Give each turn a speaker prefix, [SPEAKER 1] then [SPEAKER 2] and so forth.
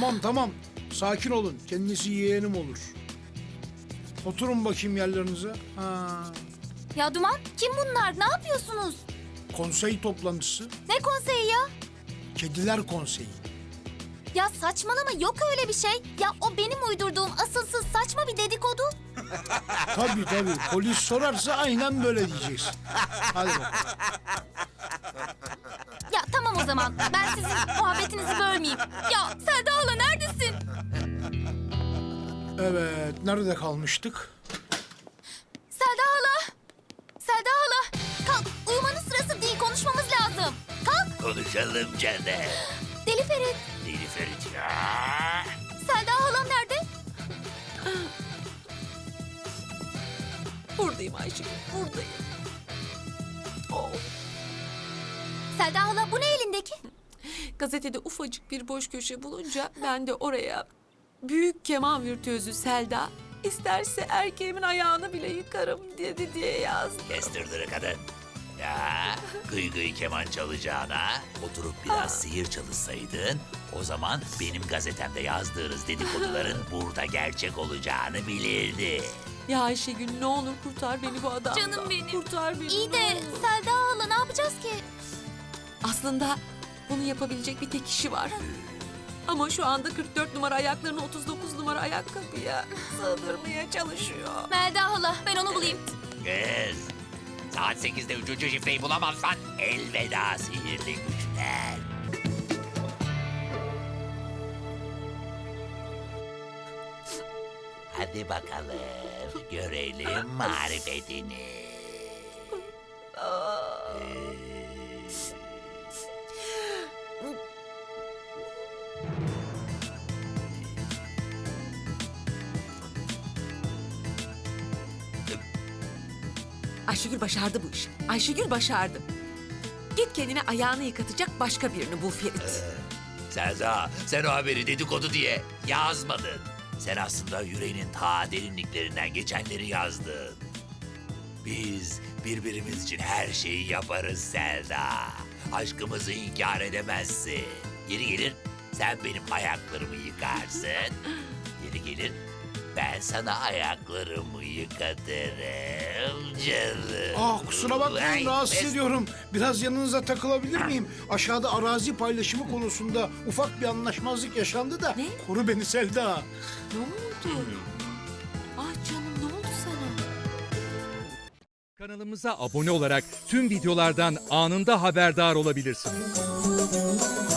[SPEAKER 1] Tamam. Sakin olun. Kendisi yeğenim olur. Oturun bakayım yerlerinize.
[SPEAKER 2] Ya Duman, kim bunlar? Ne yapıyorsunuz?
[SPEAKER 1] Konsey toplantısı.
[SPEAKER 2] Ne konseyi ya?
[SPEAKER 1] Kediler konseyi.
[SPEAKER 2] Ya saçmalama, yok öyle bir şey. Ya o benim uydurduğum asılsız saçma bir dedikodu.
[SPEAKER 1] Tabii. Polis sorarsa aynen böyle diyeceksin. Hadi bakalım.
[SPEAKER 2] Ya tamam o zaman, ben sizin muhabbetinizi bölmeyeyim. Ya Selda hala neredesin?
[SPEAKER 1] Evet, nerede kalmıştık?
[SPEAKER 2] Selda hala! Selda hala! Kalk, uyumanın sırası değil, konuşmamız lazım. Kalk!
[SPEAKER 3] Konuşalım canım.
[SPEAKER 2] Deli Ferit,
[SPEAKER 3] Deli Ferit ya.
[SPEAKER 2] Selda halam nerede?
[SPEAKER 4] Buradayım Ayşegül, buradayım. Oh.
[SPEAKER 2] Selda hala, bu ne elindeki?
[SPEAKER 4] Gazetede ufacık bir boş köşe bulunca ben de oraya büyük keman virtüözü Selda isterse erkeğimin ayağını bile yıkarım dedi diye yazdım.
[SPEAKER 3] Kestirdir kadın. Ya gıy keman çalacağına oturup biraz sihir çalışsaydın, o zaman benim gazetemde yazdığınız dedikoduların burada gerçek olacağını bilirdi.
[SPEAKER 4] Ya Ayşegül ne olur kurtar beni bu adamdan.
[SPEAKER 2] Canım benim.
[SPEAKER 4] Kurtar beni.
[SPEAKER 2] İyi
[SPEAKER 4] ne
[SPEAKER 2] de
[SPEAKER 4] olur.
[SPEAKER 2] Selda hala ne yapacağız ki?
[SPEAKER 4] Aslında bunu yapabilecek bir tek kişi var. Ama şu anda 44 numara ayaklarını 39 numara ayakkabıya sığdırmaya çalışıyor.
[SPEAKER 2] Melda hala, ben onu bulayım.
[SPEAKER 3] Kız, saat 8'de 3. şifreyi bulamazsan elveda sihirli güçler. Hadi bakalım, görelim marifetini.
[SPEAKER 4] Ayşegül başardı bu işi. Ayşegül başardı. Git kendine ayağını yıkatacak başka birini bul Ferit.
[SPEAKER 3] Selda, sen o haberi dedikodu diye yazmadın. Sen aslında yüreğinin ta derinliklerinden geçenleri yazdın. Biz birbirimiz için her şeyi yaparız Selda. Aşkımızı inkar edemezsin. Yeri gelir sen benim ayaklarımı yıkarsın. Yeri gelir ben sana ayaklarımı yıkatırım canım.
[SPEAKER 1] Kusura bakmayın,
[SPEAKER 3] Ay,
[SPEAKER 1] rahatsız
[SPEAKER 3] pes-
[SPEAKER 1] ediyorum. Biraz yanınıza takılabilir miyim? Aşağıda arazi paylaşımı konusunda ufak bir anlaşmazlık yaşandı da.
[SPEAKER 4] Ne?
[SPEAKER 1] Koru beni Selda.
[SPEAKER 4] Ne oldu? Ah canım ne oldu sana?
[SPEAKER 5] Kanalımıza abone olarak tüm videolardan anında haberdar olabilirsiniz.